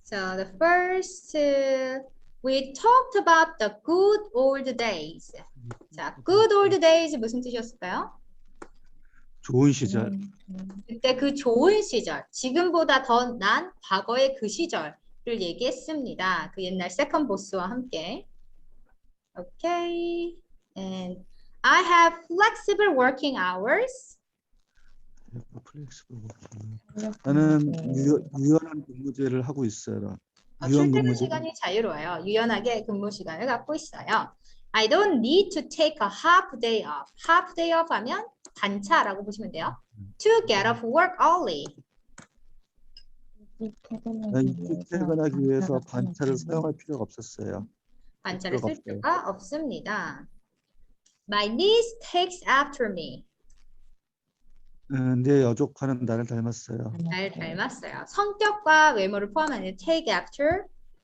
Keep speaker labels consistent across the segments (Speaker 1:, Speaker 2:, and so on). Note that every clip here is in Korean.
Speaker 1: So the first, we talked about the good old days. 자, good old days 무슨 뜻이었을까요?
Speaker 2: 좋은 시절.
Speaker 1: 그때 그 좋은 시절, 지금보다 더 난 과거의 그 시절을 얘기했습니다. 그 옛날 세컨 보스와 함께. Okay. And I have flexible working hours.
Speaker 2: 나는 유연한 근무제를 하고 있어요. 유연
Speaker 1: 출퇴근
Speaker 2: 근무제.
Speaker 1: 시간이 자유로워요. 유연하게 근무 시간을 갖고 있어요. I don't need to take a half day off. half day off 하면 반차라고 보시면 돼요. To get off work early.
Speaker 2: 난 일찍 퇴근하기 위해서 반차를 사용할 필요가 없었어요.
Speaker 1: 반차를 쓸 필요가 없습니다. My niece takes after me.
Speaker 2: 내 여조카는 나를 닮았어요.
Speaker 1: 날 닮았어요. 성격과 외모를 포함하는 take after.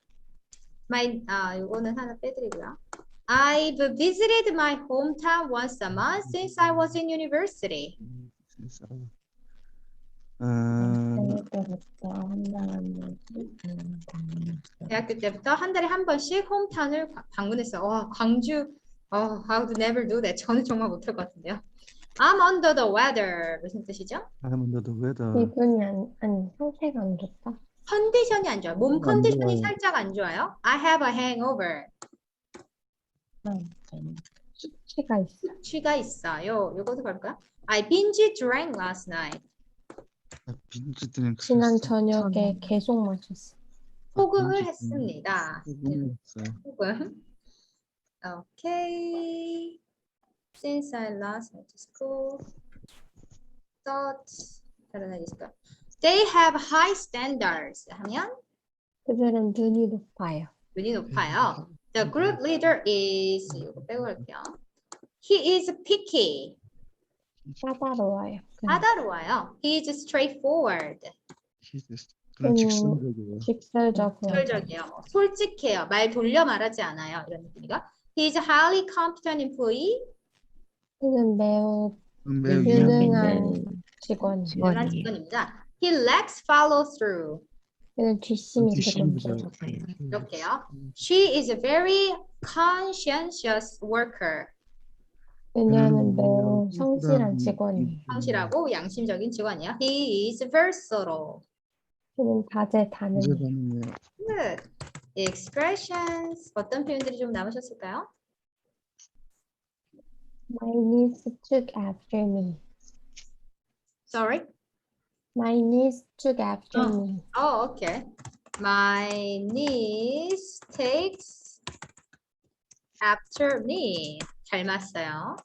Speaker 1: 이거는 하나 빼드리고요. I've visited my hometown once a month since I was in university. 대학교 때부터 한 달에 한 번씩 홈타운을 방문했어요. 와, 광주. I would never do that. 저는 정말 못할 것 같은데요. I'm under the weather. 무슨 뜻이죠?
Speaker 2: I'm under the weather.
Speaker 3: 기분이 아니 상태가 안 좋다.
Speaker 1: 컨디션이 안 좋아요. 몸 컨디션이
Speaker 2: 좋아요.
Speaker 1: 살짝 안 좋아요. I have a hangover.
Speaker 3: 수치가 있어.
Speaker 1: 취가 있어요. 이것도 볼까요? I binge drank last night.
Speaker 2: 빈지들은
Speaker 3: 지난 저녁에 계속 마셨어.
Speaker 1: 호금을 했습니다.
Speaker 2: 했어요.
Speaker 1: 호금. Okay. Since I last went to school, thought 다른 날 있을까? They have high standards. 하면
Speaker 3: 그들은 눈이 높아요.
Speaker 1: 눈이 높아요. The group leader is 이거 빼고 갈게요. He is picky.
Speaker 3: 까다로워요.
Speaker 1: 까다로워요. He is straightforward.
Speaker 2: 그런 직선적이에요.
Speaker 3: 직설적으로.
Speaker 1: 직설적이에요. 솔직해요. 말 돌려 말하지 않아요. 이런 느낌이가. He is a highly competent employee.
Speaker 3: 그는 매우
Speaker 2: 매우
Speaker 3: 유능한 직원이에요.
Speaker 1: 유능한 직원입니다. He lacks follow through.
Speaker 3: 그는 뒷심이
Speaker 2: 뒷심이
Speaker 3: 조금
Speaker 2: 좀
Speaker 3: 부족해요.
Speaker 1: 이렇게요. She is a very conscientious worker.
Speaker 3: 그녀는 매우 성실한 직원이에요.
Speaker 1: 성실하고 양심적인 직원이에요. He is versatile.
Speaker 3: 그는 다재다능해요.
Speaker 1: Good. Expressions. 어떤 표현들이 좀 남으셨을까요?
Speaker 3: My niece took after me.
Speaker 1: Sorry.
Speaker 3: My niece took after me.
Speaker 1: Oh, okay. My niece takes after me. 닮았어요.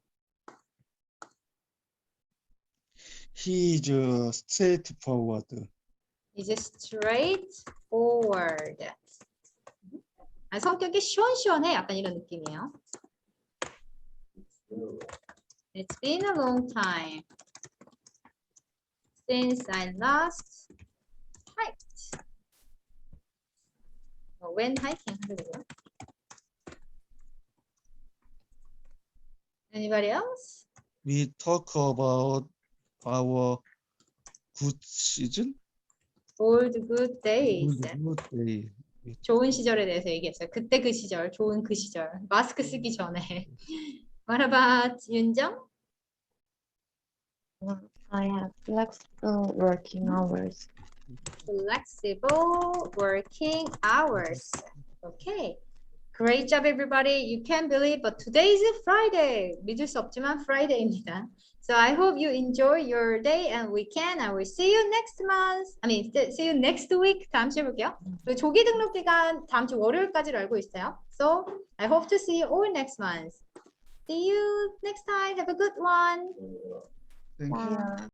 Speaker 2: He is straightforward.
Speaker 1: Is straightforward. 성격이 시원시원해. 약간 이런 느낌이에요. It's been a long time since I last hiked. When hiking 하려고요. Anybody else?
Speaker 2: We talk about our good season.
Speaker 1: Old good days.
Speaker 2: Good day.
Speaker 1: 좋은 시절에 대해서 얘기했어요. 그때 그 시절, 좋은 그 시절. 마스크 쓰기 전에. What about 윤정?
Speaker 4: I have flexible working hours.
Speaker 1: Flexible working hours. Okay. Great job, everybody. You can't believe, but today is Friday. 믿을 수 없지만 Friday입니다. So I hope you enjoy your day and weekend. I will see you next month. See you next week. 다음 주에 볼게요. 그리고 조기 등록 기간 다음 주 월요일까지로 알고 있어요. So I hope to see you all next month. See you next time. Have a good one.
Speaker 2: Thank you.
Speaker 4: Yeah.